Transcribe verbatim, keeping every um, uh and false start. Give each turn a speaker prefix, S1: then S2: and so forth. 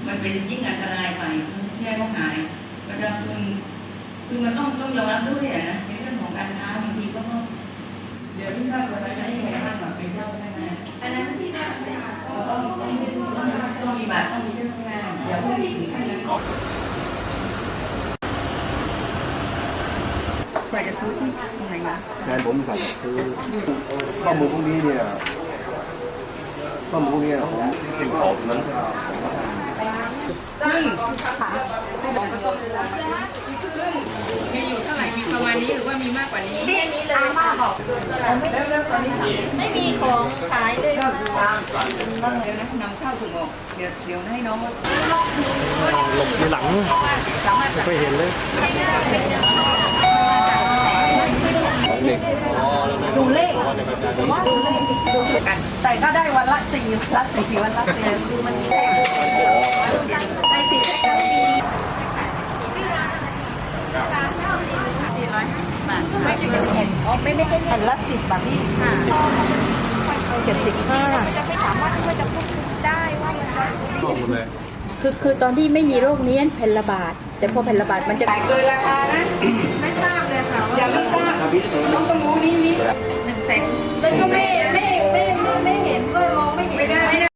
S1: มันเป็นยิ่งอันตรายไปแย่เขาหายประชาชนคือมันต้องต้องยอมรับด้วยนะในเรื่องของการค้าบางทีก็เดี๋ยวที่ทราบวันนั้นยังไงบ้างแบบเป็นเจ้าพนักงานอันนั้นที่ได้ต้องต้องต้องต้องมีบัตรต้องมีเจ้าพนักงานเดี๋ยวพวกนี้ถึงขั้นนั้นอยากจะซื้อที่ตรงไหนนะ
S2: แฟนผมสั่งซื้อข้อมูลพวกนี้เนี่ยข้อมูลพวกนี้เป็นของนั้น
S1: ซึ่งซึ่งมีอยู่เท่าไหร่มีประมาณนี้หรือว่ามีมากกว่านี้
S3: แค่นี้เลยมากบอก
S1: แล้วแล้วตอนนี้
S3: ไม่มีของขายเลยค่ะ
S1: เดี๋ยวนะนำเข้าส่งออกเดี๋ยวเดี๋ยวให้น้อง
S2: หลบในหลังไม่เคยเห็นเลย
S3: ดูเลขว่าดูเลขดูกันแต่ก็ได้วันละสี่วันละสี่วันละสี่คือมันแพงในสี่แพ็คมีสี่ร้อยห้าสิบบาทไม่ใช่เป็นแผ่นอ๋อไม่ไม่ใช่แผ่นละสิบบาทนี่ค่ะเจ็ดสิบห้าจะไม่สามารถที่ว่าจะควบคุมได้ว่ามันจะ
S4: คือคือตอนที่ไม่มีโรคนี้แผ่นระบาดแต่พอแผ่นระบาดมันจะ
S1: ขายเกินราคานะไม่ทราบเลยค่ะอย่าไม่ทราบน้องต้องรู้นี้นี้หนึ่งแสน